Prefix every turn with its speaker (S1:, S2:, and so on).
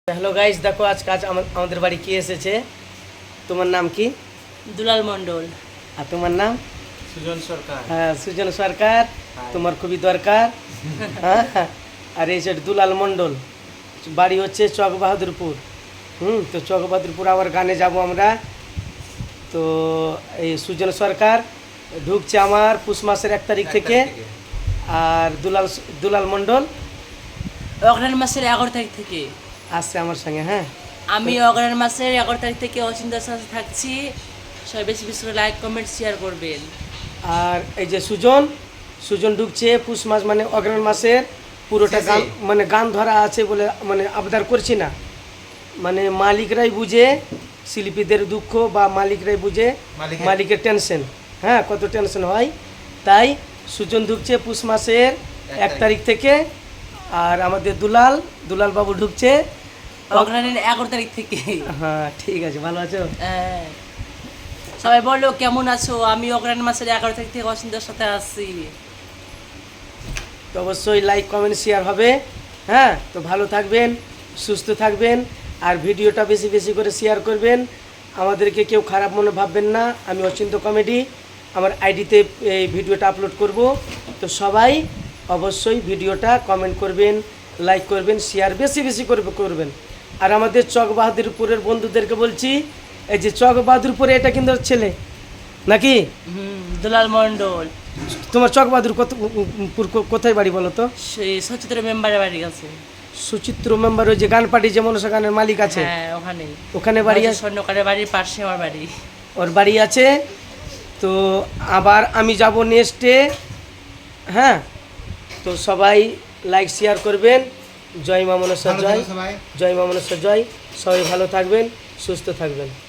S1: Hello guys, দেখো আজকে আমাদের বাড়ি কি এসেছে। তোমার নাম কি?
S2: দুলাল মণ্ডল।
S1: আর তোমার নাম?
S3: সুজন সরকার।
S1: হ্যাঁ, সুজন সরকার। তোমার খুবই দরকার। হ্যাঁ, আর এই যে দুলাল মণ্ডল, বাড়ি হচ্ছে চক বাহাদুরপুর। তো চক বাহাদুরপুর আবার গানে যাব আমরা। তো এই সুজন সরকার ঢুকছে আমার পুষ মাসের 1 তারিখ থেকে। আর দুলাল মণ্ডল
S2: অগ্রহায়ণ মাসের 11 তারিখ থেকে
S1: আসছে আমার সঙ্গে। হ্যাঁ,
S2: আমি অগ্রহায়ণ মাসের 11 তারিখ থেকে অচিন্তার সাথে থাকছি। সবাই বেশি বেশি করে লাইক কমেন্ট শেয়ার করবেন।
S1: আর এই যে সুজন ঢুকছে পুষ মাস, মানে অগ্রহায়ণ মাসের পুরোটা গান, মানে গান ধরা আছে বলে মানে আবদার করছি না, মানে মালিকরাই বুঝে শিল্পীদের দুঃখ, বা মালিকরাই বুঝে মালিকের টেনশন। হ্যাঁ, কত টেনশন হয়। তাই সুজন ঢুকছে পুষ মাসের 1 তারিখ থেকে। আর আমাদের দুলাল বাবু ঢুকছে
S2: অগ্রহায়ণের 11 তারিখ থেকে।
S1: হ্যাঁ, ঠিক আছে, ভালো আছো?
S2: সবাই বলো কেমন আছো। আমি অগ্রহায়ণ মাসের 11 তারিখ থেকে অচিন্তার সাথে আসছি।
S1: তো অবশ্যই লাইক কমেন্ট শেয়ার হবে। হ্যাঁ, তো ভালো থাকবেন, সুস্থ থাকবেন, আর ভিডিওটা বেশি বেশি করে শেয়ার করবেন। আমাদেরকে কেউ খারাপ মনে ভাববেন না। আমি অচিন্ত কমেডি, আমার আইডিতে এই ভিডিওটা আপলোড করব। তো সবাই অবশ্যই ভিডিওটা কমেন্ট করবেন, লাইক করবেন, শেয়ার বেশি বেশি করবেন। আর আমাদের চক বাহাদুরপুরের বন্ধুদেরকে বলছি, এই যে চক বাহাদুরপুরে এটা কিন্তু ছেলে নাকি?
S2: দুলাল মণ্ডল।
S1: তোমার চক বাহাদুর কোথায় বাড়ি বলো তো?
S2: সেই সচিত্র মেম্বারের বাড়ি আছে।
S1: সুচিত্র মেম্বার, ওই যে গান পার্টি যে মনসা গানের মালিক আছে,
S2: হ্যাঁ,
S1: ওখানে বাড়ি আছে।
S2: স্বর্ণকারের বাড়ির পাশে আমার বাড়ি।
S1: ওর বাড়ি আছে। তো আবার আমি যাব নেক্সটে। হ্যাঁ, তো সবাই লাইক শেয়ার করবেন। জয় মা মনসা জয়, জয় মা মনসা জয়। সবাই ভালো থাকবেন, সুস্থ থাকবেন।